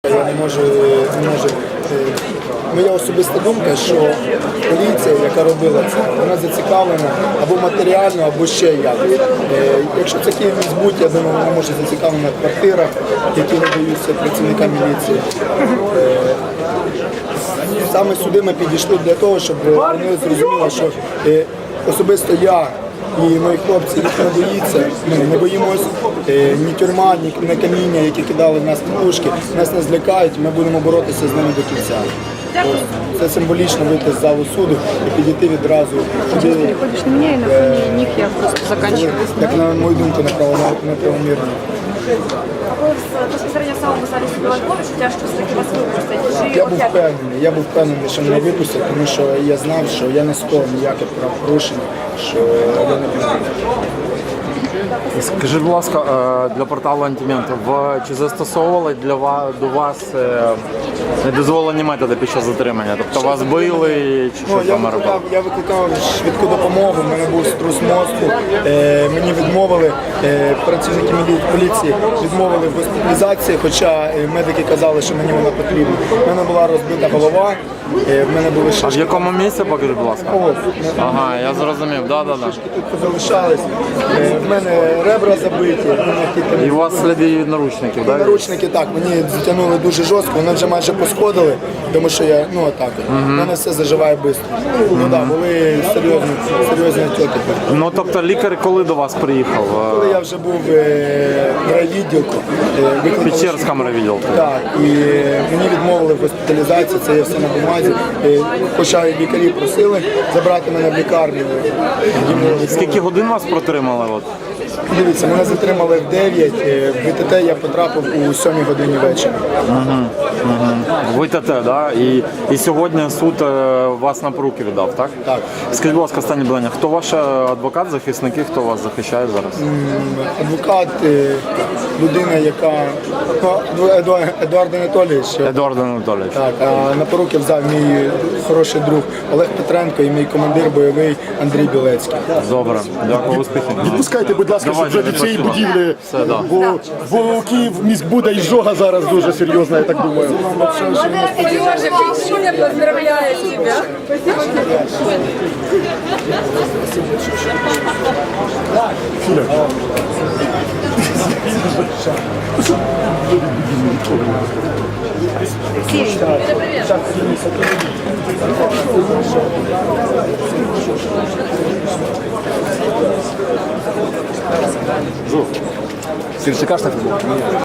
Я не можу. Моя особиста думка, що поліція, яка робила це, вона зацікавлена або матеріально, або ще як. Якщо це Київміськбуд, я думаю, вона може зацікавлена в квартирах, які надаються працівникам міліції. Саме сюди ми підійшли для того, щоб вони зрозуміли, що особисто я і мої хлопці їх не боїться, ми не боїмось ні тюрма, ні каміння, які кидали в нас пушки, нас не злякають, ми будемо боротися з ними до кінця. Це символічно вийти з залу суду і підійти відразу. Сейчас переходишь на меня, и на фоне них я просто заканчиваю. Як на мою думку, неправомірно. А ви безпосередньо в самому залі суду Львові, що тяжко все-таки вас випустять? Я був впевнений, що мене випустять, тому що я знав, що я не скоро ніяких правопорушень, що я не буду. Скажіть, будь ласка, для порталу «Антимент», чи застосовували до вас недозволені методи під час затримання? Тобто вас били чи що там робили? Я викликав швидку допомогу, в мене був струс мозку, мені відмовили, працівники поліції відмовили в госпіталізації, хоча медики казали, що мені вона потрібна. У мене була розбита голова, в мене були шишки. А в якому місці, покажіть, будь ласка? Ага, я зрозумів, шишки тут позалишались, в мене ребра забиті. І у вас сліди від наручників, так? Наручники, так, мені затягнули дуже жорстко, вони вже майже посходили, тому що я, отак, в мене все заживає швидко. Були серйозні отеки. Ну, тобто лікар коли до вас приїхав? Коли я вже був в райвідділку. Печерському райвідділку? Так, і мені відмовили в госпіталізації, це є все на бумазі. Хоча лікарі просили забрати мене в лікарню. Скільки годин вас протримали? Дивіться, мене затримали в 9, в ВТТ я потрапив у 7 годині вечора. ВТТ, так? І сьогодні суд вас на поруки віддав, так? Так. Скажіть, будь ласка, останнє питання. Хто ваш адвокат, захисники, хто вас захищає зараз? Адвокат, людина, яка... Едуард Анатолійович. Едуард Анатолійович. Так, а на поруки взяв мій хороший друг Олег Петренко і мій командир бойовий Андрій Білецький. Добре, дякую, успіхів. Відпускайте, будь ласка, щоб вже від цієї будівлі, бо у Київміськбуда іжога зараз дуже серйозна, я так думаю. Сережа, Петюня поздравляю тебя. Спасибо. Ти чекаєш на футбол?